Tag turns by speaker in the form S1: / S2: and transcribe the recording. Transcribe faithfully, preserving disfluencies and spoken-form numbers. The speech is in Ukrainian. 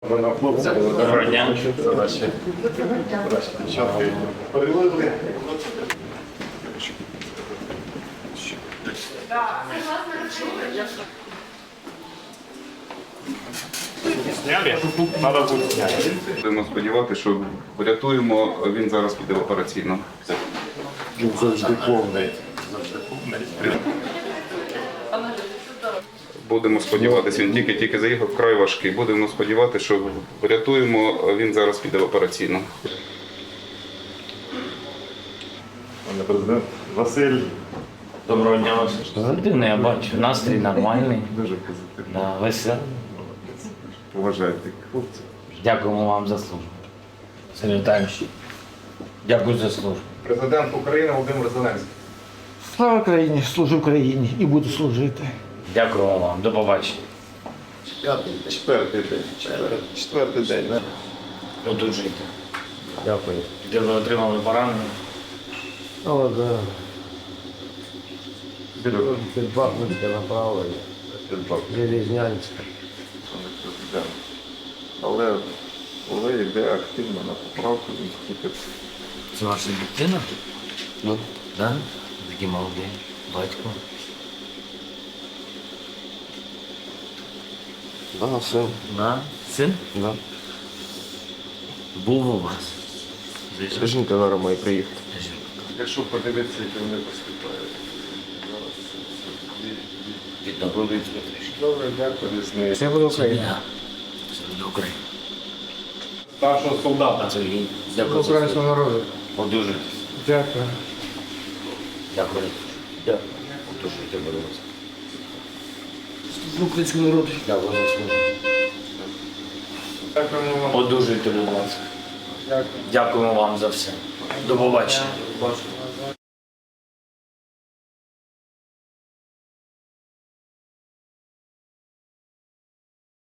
S1: Доброго дня.
S2: Будемо сподіватися, що врятуємо, він зараз піде в операційну.
S3: Він завжди повний. Завжди повний.
S2: Будемо сподіватися, він тільки-тільки заїхав, вкрай важкий. Будемо сподіватися, що врятуємо, він зараз піде в операційну.
S3: Пане президент Василь.
S1: Доброго дня, Василь. Людина, я бачу, настрій нормальний.
S3: Дуже позитивний.
S1: Да, веселий.
S3: Поважайте хлопців.
S1: Дякуємо вам за службу. Сергій Віталійович, дякую за службу.
S4: Президент України Володимир Зеленський.
S5: Слава Україні, служу Україні і буду служити.
S1: Дякуємо вам. До побачення.
S3: П'ятий, четвертий день. Четвертий, четвертий день. да?
S1: Одужуйте. Дякую. Де ви отримали поранення?
S5: О, да. Під Бахмутське направлення, Железнянське.
S3: Пане президент. Але коли йде активно на поправку, він тільки
S1: Це ваша дитина? Ну. Да? Такий молодий. Батько.
S6: Да, син.
S1: Да? Син?
S6: Да.
S1: Був у вас. Звісно.
S6: Жінка зараз має приїхати.
S3: якщо подивитися, як вони поступають.
S1: Відновлюють трішки.
S3: Добре, дякую. Різний.
S6: Все буде Україна.
S1: Все буде Україна.
S4: Старшого солдата.
S1: Сергій, дякую за
S5: Українського
S1: службу.
S5: народу.
S1: Одужуйтесь.
S5: Дякую.
S1: Дякую. Дякую. Одужуйте, будь ласка.
S5: Українського народу.
S1: Дякую за службу.
S4: Дякуємо вам.
S1: Одужуйте, будь ласка. Дякуємо вам за все. До побачення.